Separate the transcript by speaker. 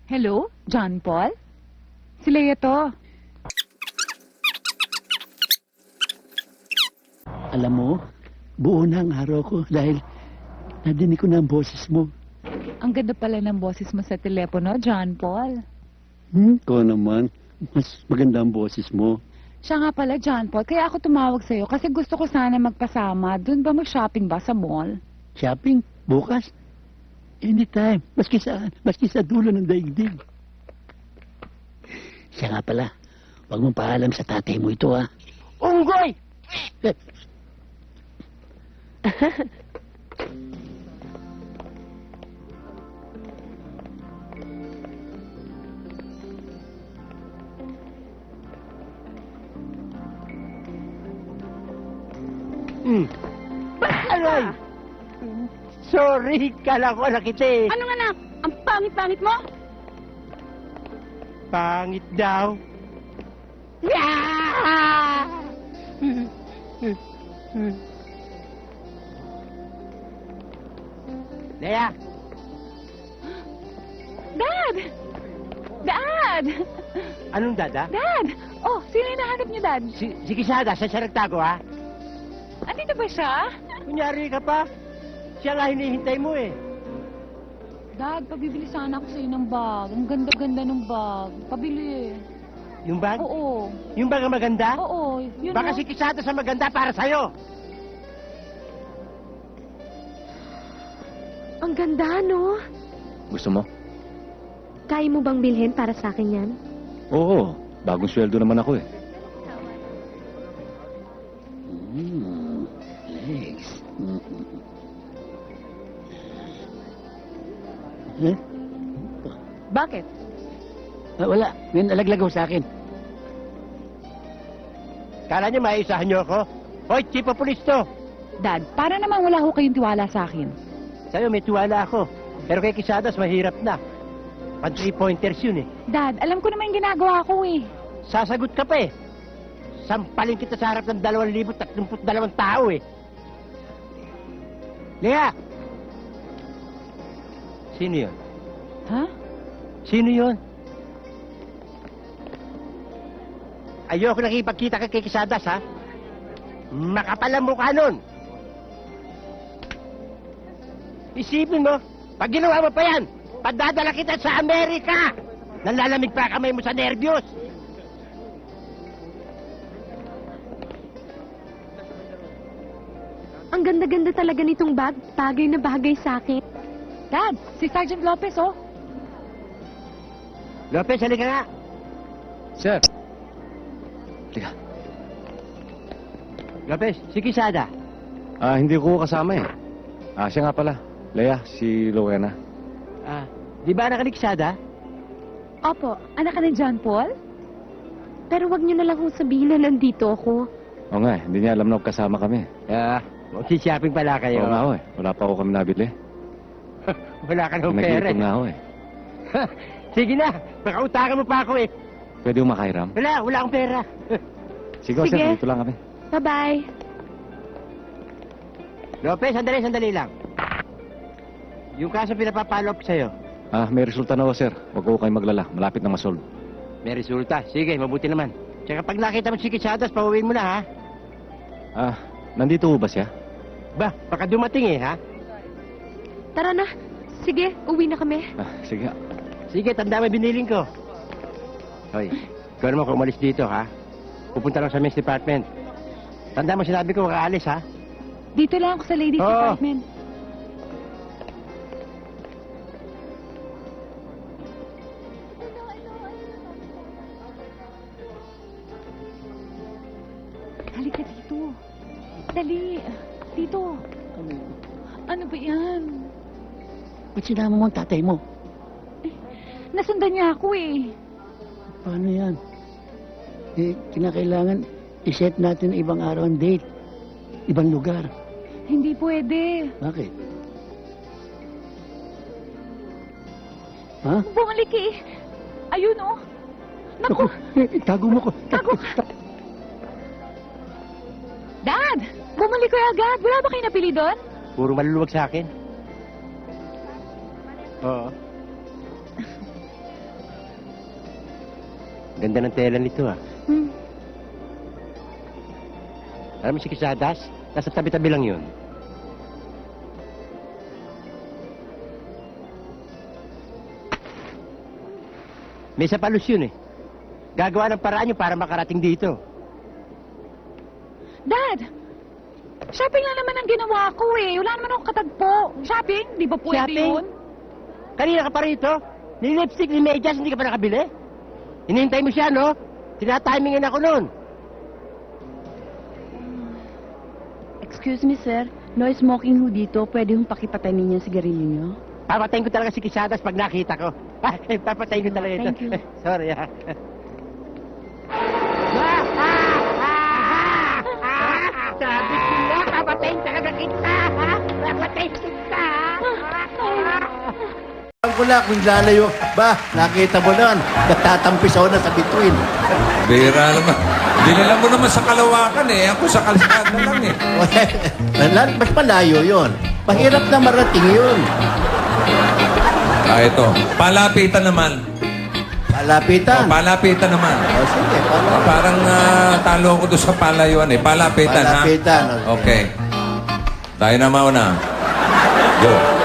Speaker 1: Hello? John Paul? Si Leia to.
Speaker 2: Alam mo, buo na ang araw ko dahil nadinig ko na ang boses mo.
Speaker 1: Ang ganda pala ng boses mo sa telepono, John Paul.
Speaker 2: Ko naman, mas maganda ang boses mo.
Speaker 1: Siya nga pala, John Paul, kaya ako tumawag sa'yo kasi gusto ko sana magpasama. Doon ba mag-shopping ba sa mall?
Speaker 2: Shopping? Bukas? Anytime. Maski sa dulo ng daigdig. Siya nga pala, huwag mong paalam sa tatay mo ito, ha? Unggoy! Aray! Sorry, kala ko anak kita eh.
Speaker 1: Anong anak? Ang pangit-pangit mo?
Speaker 2: Pangit daw. Leia!
Speaker 1: Dad! Dad!
Speaker 2: Anong dada?
Speaker 1: Dad! Oh, sino yung nahanap niyo, Dad?
Speaker 2: Si Kisada, siya nagtago, ha?
Speaker 1: Andito ba siya?
Speaker 2: Kunyari ka pa. Siya nga hinihintay mo eh.
Speaker 1: Dad, pabibili sana ako sa'yo ng bag. Ang ganda-ganda ng bag. Pabili.
Speaker 2: Yung bag?
Speaker 1: Oo.
Speaker 2: Yung bag ang maganda?
Speaker 1: Oo. Yun
Speaker 2: Baka
Speaker 1: o.
Speaker 2: si Kisada sa maganda para sa'yo.
Speaker 3: Ang ganda, no?
Speaker 4: Gusto mo?
Speaker 3: Kaya mo bang bilhin para sa akin yan?
Speaker 4: Oo, bagong sweldo naman ako eh.
Speaker 2: Legs. Eh?
Speaker 1: Bakit?
Speaker 2: Wala. May nalaglag ho sa akin. Kala niyo maisahan niyo ako? Hoy, chief of police to.
Speaker 1: Dad, para naman wala ho kayong tiwala sa akin.
Speaker 2: Sa'yo may tiwala ako. Pero kay Kisadas mahirap na. Pan 3-pointers yun eh.
Speaker 1: Dad, alam ko naman yung ginagawa ko eh.
Speaker 2: Sasagot ka pa eh. Sampalin kita sa harap ng 2,032 tao eh. Lea! Sino yun?
Speaker 1: Ha?
Speaker 2: Sino yun? Ayoko nakipagkita kay Kisadas, ha? Makapal ang mukha nun. Isipin mo, pag ginawa mo pa yan, padadala kita sa Amerika! Nalalamig pa kamay mo sa nervyos!
Speaker 3: Ang ganda-ganda talaga nitong bag. Bagay na bagay sa akin.
Speaker 1: Dad, si Sergeant Lopez oh.
Speaker 2: Lopez, halika nga.
Speaker 4: Sir! Teka,
Speaker 2: Lopez, si Kisada.
Speaker 4: hindi ko kasama eh. Siya nga pala. Leia, si Rowena.
Speaker 2: Di ba anak ni Kisada?
Speaker 3: Opo,
Speaker 1: Anak ka ni John Paul?
Speaker 3: pero wag niyo na lang kung sabihin na nandito ako.
Speaker 4: Oo nga eh, hindi niya alam na kasama kami.
Speaker 2: Magsishopping pala kayo.
Speaker 4: Oo nga ho eh, wala pa ako kami nabili.
Speaker 2: Wala ka ng pera.
Speaker 4: Nag-iipon nga ho eh.
Speaker 2: Sige na, baka utakan mo pa ako eh.
Speaker 4: Pwede mo makairam?
Speaker 2: Wala akong pera.
Speaker 4: Sige,
Speaker 3: Sige.
Speaker 4: sir, dito lang kami.
Speaker 3: Bye-bye.
Speaker 2: Lopez, sandali lang. Yung kaso pinapapalo up sa'yo,
Speaker 4: May resulta na ho, sir. Huwag ko kayong maglala. Malapit na masolve.
Speaker 2: may resulta. Sige, mabuti naman. Tsaka pag nakita mo si Kisadas, pauwiin mo na, ha?
Speaker 4: Nandito ho ba siya?
Speaker 2: Ba, baka dumating eh, ha?
Speaker 3: Tara na. Sige, uwi na kami.
Speaker 4: Sige.
Speaker 2: Sige, tanda mo biniling ko. Hoy, ikaw naman kung umalis dito, ha? Pupunta lang sa men's department. Tanda mo sinabi ko, makaalis, ha?
Speaker 1: Dito lang ako sa ladies
Speaker 2: Oo.
Speaker 1: department. Halika dito. Dali. Dito. Ano ba yan?
Speaker 2: Ba't sinama mo ang tatay mo?
Speaker 1: Nasundan niya ako eh.
Speaker 2: Paano yan? Kinakailangan iset natin ibang araw ang date. Ibang lugar.
Speaker 1: Hindi pwede.
Speaker 2: Bakit? Ha?
Speaker 1: Bumalik eh. Ayun oh. Naku,
Speaker 2: Tago mo ko.
Speaker 1: Tago. Dad! Bumalik kayo agad. Wala ba kayo napili doon?
Speaker 2: Puro maluluwag sa akin. Oo. Ganda ng tela nito, ah.
Speaker 1: Hmm.
Speaker 2: Alam mo si Kisadas? Nasa tabi-tabi lang yun. May sapalos yun, eh. Gagawa ng paraan yun para makarating dito.
Speaker 1: Dad! Shopping lang naman ang ginawa ko eh. Wala naman akong katagpo. Shopping? Di ba pwede
Speaker 2: Shopping?
Speaker 1: yun?
Speaker 2: Kanina ka pa rito? Ni lipstick, ni medyas, hindi ka pa nakabili? Hinihintay mo siya, no? Tinatimingan ako noon.
Speaker 5: Excuse me, sir. No smoking ho dito. Pwede hong pakipatay ninyo ang sigarilyo nyo?
Speaker 2: Papatayin ko talaga si Kisadas pag nakita ko. Papatayin ko talaga ito.
Speaker 5: Thank you.
Speaker 2: Sorry, ha? Sabi ko na, papatayin talaga kita, ha? Papatayin kita,
Speaker 6: Alam ko na kung lalayo. Ba, nakita mo naman. Natatampis ako na sa bituin.
Speaker 7: Bira naman. Dinala mo naman sa Kalawakan eh. Ako sa Kalsada lang eh.
Speaker 6: Mas malayo yon. Mahirap na marating yun.
Speaker 7: Ah, ito. Palapitan naman.
Speaker 6: Palapitan.
Speaker 7: Palapitan naman.
Speaker 6: O sige,
Speaker 7: Ah, parang talo ko doon sa palayuan eh. Palapitan,
Speaker 6: Palapitan,
Speaker 7: ha? Okay. Tayo na mauna. Go.